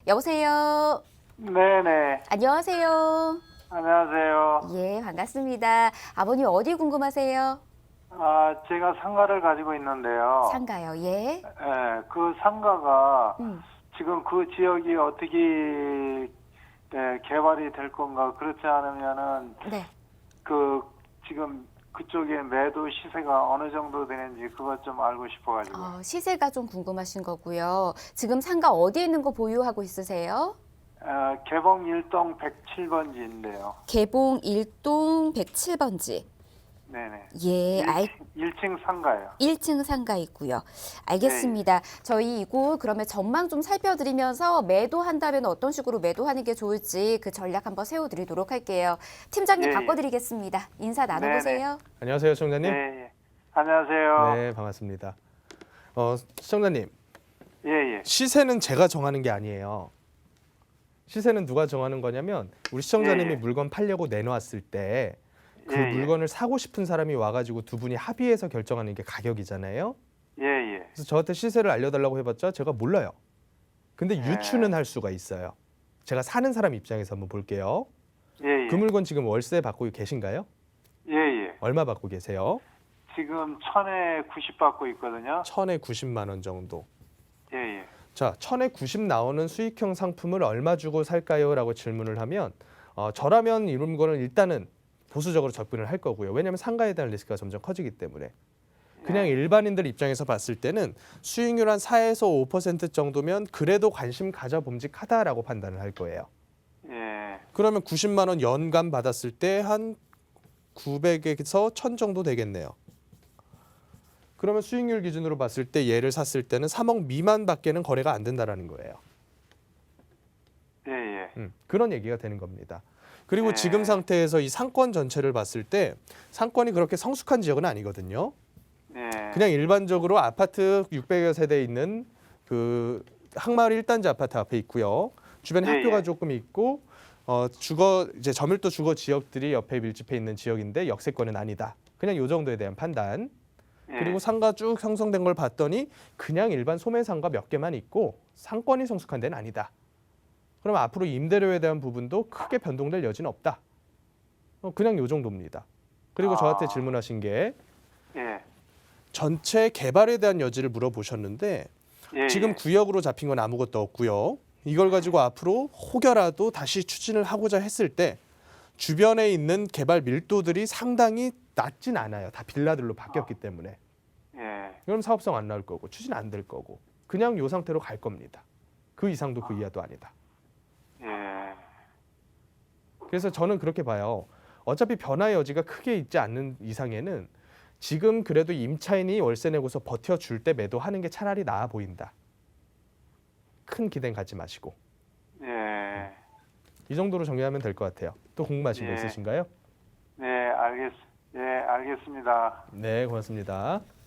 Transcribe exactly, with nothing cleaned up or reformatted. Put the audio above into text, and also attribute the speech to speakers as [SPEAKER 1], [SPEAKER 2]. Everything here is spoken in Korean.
[SPEAKER 1] 여보세요.
[SPEAKER 2] 네네.
[SPEAKER 1] 안녕하세요.
[SPEAKER 2] 안녕하세요.
[SPEAKER 1] 예, 반갑습니다. 아버님 어디 궁금하세요?
[SPEAKER 2] 아, 제가 상가를 가지고 있는데요.
[SPEAKER 1] 상가요. 예.
[SPEAKER 2] 예, 그 상가가
[SPEAKER 1] 음.
[SPEAKER 2] 지금 그 지역이 어떻게 예, 개발이 될 건가? 그렇지 않으면은
[SPEAKER 1] 네.
[SPEAKER 2] 그 지금 그쪽에 매도 시세가 어느 정도 되는지 그것 좀 알고 싶어가지고.
[SPEAKER 1] 어, 시세가 좀 궁금하신 거고요. 지금 상가 어디에 있는 거 보유하고 있으세요?
[SPEAKER 2] 어, 개봉 일 동 백칠 번지인데요.
[SPEAKER 1] 개봉 일 동 백칠 번지.
[SPEAKER 2] 네네.
[SPEAKER 1] 예, 알,
[SPEAKER 2] 일 층 상가요.
[SPEAKER 1] 일 층 상가 있고요. 알겠습니다. 저희 이곳 그러면 전망 좀 살펴드리면서 매도한다면 어떤 식으로 매도하는 게 좋을지 그 전략 한번 세워드리도록 할게요. 팀장님
[SPEAKER 2] 예, 예.
[SPEAKER 1] 바꿔드리겠습니다. 인사 나눠보세요.
[SPEAKER 3] 안녕하세요, 시청자님.
[SPEAKER 2] 예, 예. 안녕하세요.
[SPEAKER 3] 네, 반갑습니다. 어, 시청자님,
[SPEAKER 2] 예, 예.
[SPEAKER 3] 시세는 제가 정하는 게 아니에요. 시세는 누가 정하는 거냐면 우리 시청자님이
[SPEAKER 2] 예, 예.
[SPEAKER 3] 물건 팔려고 내놓았을 때 그
[SPEAKER 2] 예, 예.
[SPEAKER 3] 물건을 사고 싶은 사람이 와가지고 두 분이 합의해서 결정하는 게 가격이잖아요.
[SPEAKER 2] 예, 예.
[SPEAKER 3] 그래서 저한테 시세를 알려달라고 해봤자 제가 몰라요. 근데
[SPEAKER 2] 예.
[SPEAKER 3] 유추는 할 수가 있어요. 제가 사는 사람 입장에서 한번 볼게요.
[SPEAKER 2] 예, 예.
[SPEAKER 3] 그 물건 지금 월세 받고 계신가요?
[SPEAKER 2] 예, 예.
[SPEAKER 3] 얼마 받고 계세요?
[SPEAKER 2] 지금 천에 구십 받고 있거든요.
[SPEAKER 3] 천에 구십만 원 정도.
[SPEAKER 2] 예, 예.
[SPEAKER 3] 자, 천에 구십 나오는 수익형 상품을 얼마 주고 살까요? 라고 질문을 하면 어, 저라면 이런 거는 일단은 보수적으로 접근을 할 거고요. 왜냐하면 상가에 대한 리스크가 점점 커지기 때문에. 그냥
[SPEAKER 2] 예.
[SPEAKER 3] 일반인들 입장에서 봤을 때는 수익률 한 사에서 오 퍼센트 정도면 그래도 관심 가져봄직하다라고 판단을 할 거예요.
[SPEAKER 2] 예.
[SPEAKER 3] 그러면 구십만 원 연간 받았을 때 한 구백에서 천 정도 되겠네요. 그러면 수익률 기준으로 봤을 때 얘를 샀을 때는 삼억 미만밖에는 거래가 안 된다라는 거예요.
[SPEAKER 2] 예, 예.
[SPEAKER 3] 음, 그런 얘기가 되는 겁니다. 그리고
[SPEAKER 2] 네.
[SPEAKER 3] 지금 상태에서 이 상권 전체를 봤을 때 상권이 그렇게 성숙한 지역은 아니거든요.
[SPEAKER 2] 예.
[SPEAKER 3] 그냥 일반적으로 아파트 육백여 세대 있는 그 항마을 일 단지 아파트 앞에 있고요. 주변에
[SPEAKER 2] 예,
[SPEAKER 3] 학교가
[SPEAKER 2] 예.
[SPEAKER 3] 조금 있고 어, 주거 이제 저밀도 주거 지역들이 옆에 밀집해 있는 지역인데 역세권은 아니다. 그냥 요 정도에 대한 판단.
[SPEAKER 2] 예.
[SPEAKER 3] 그리고 상가 쭉 형성된 걸 봤더니 그냥 일반 소매상가 몇 개만 있고 상권이 성숙한 데는 아니다. 그럼 앞으로 임대료에 대한 부분도 크게 변동될 여지는 없다. 어, 그냥 요 정도입니다. 그리고
[SPEAKER 2] 아.
[SPEAKER 3] 저한테 질문하신 게
[SPEAKER 2] 예.
[SPEAKER 3] 전체 개발에 대한 여지를 물어보셨는데
[SPEAKER 2] 예.
[SPEAKER 3] 지금
[SPEAKER 2] 예.
[SPEAKER 3] 구역으로 잡힌 건 아무것도 없고요. 이걸 가지고 앞으로 혹여라도 다시 추진을 하고자 했을 때 주변에 있는 개발 밀도들이 상당히 낮진 않아요. 다 빌라들로 바뀌었기 때문에.
[SPEAKER 2] 예.
[SPEAKER 3] 그럼 사업성 안 나올 거고 추진 안 될 거고 그냥 요 상태로 갈 겁니다. 그 이상도 그 이하도 아니다.
[SPEAKER 2] 예.
[SPEAKER 3] 그래서 저는 그렇게 봐요. 어차피 변화의 여지가 크게 있지 않는 이상에는 지금 그래도 임차인이 월세 내고서 버텨줄 때 매도하는 게 차라리 나아 보인다. 큰 기대는 갖지 마시고.
[SPEAKER 2] 예.
[SPEAKER 3] 이 정도로 정리하면 될 것 같아요. 또 궁금하신 거
[SPEAKER 2] 예.
[SPEAKER 3] 있으신가요?
[SPEAKER 2] 네, 알겠, 예, 알겠습니다.
[SPEAKER 3] 네, 고맙습니다.